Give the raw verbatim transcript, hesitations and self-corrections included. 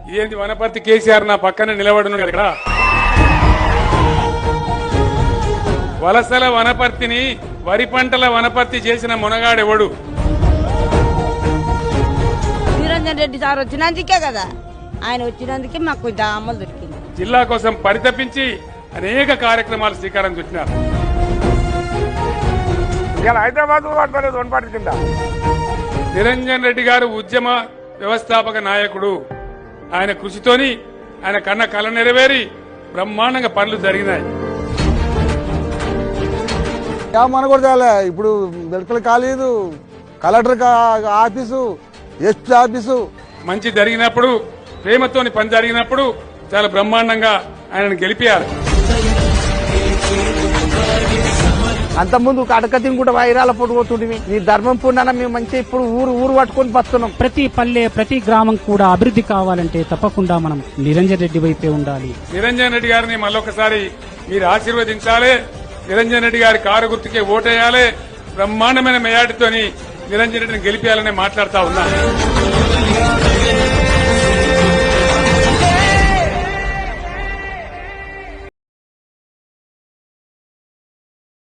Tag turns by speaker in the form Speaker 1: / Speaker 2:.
Speaker 1: ఇదేంటి వనపర్తి కేసీఆర్ నా పక్కన నిలబడున్నాడు ఇక్కడ. వలసల వనపర్తిని వరి పంటల వనపర్తి చేసిన మునగాడెవడు?
Speaker 2: నిరంజన్ రెడ్డి సార్ వచ్చినందుకే కదా, ఆయన వచ్చినందుకే మాకు కొంచెం అమలు దొరికింది.
Speaker 1: జిల్లా కోసం పరితపించి అనేక కార్యక్రమాలు శ్రీకారం చుట్టినారు.
Speaker 3: హైదరాబాద్ వనపర్తి కింద
Speaker 1: నిరంజన్ రెడ్డి గారు ఉద్యమ వ్యవస్థాపక నాయకుడు. ఆయన కృషితోని ఆయన కన్న కళ నెరవేరి బ్రహ్మాండంగా పనులు జరిగినాయి.
Speaker 4: మన కూడా తేలే. ఇప్పుడు medical college, collector office, SP office
Speaker 1: మంచి జరిగినప్పుడు, ప్రేమతోని పని జరిగినప్పుడు చాలా బ్రహ్మాండంగా ఆయనను గెలిపారు.
Speaker 5: అంతకుముందు అడకతిని కూడా వైరాల పొడుగుతుండే నీ ధర్మం పుణ్యాన మేము మంచి ఇప్పుడు ఊరు ఊరు పట్టుకొని బతున్నాం.
Speaker 6: ప్రతి పల్లె ప్రతి గ్రామం కూడా అభివృద్ధి కావాలంటే తప్పకుండా మనం నిరంజన్ రెడ్డి వైపే ఉండాలి.
Speaker 1: నిరంజన్ రెడ్డి గారిని మళ్ళొకసారి మీరు ఆశీర్వదించాలి. నిరంజన్ రెడ్డి గారి కారు గుర్తుకే ఓటేయాలి. బ్రహ్మాండమైన మెజార్టీతోని నిరంజన్ రెడ్డిని గెలిపేయాలని మాట్లాడుతా ఉన్నా.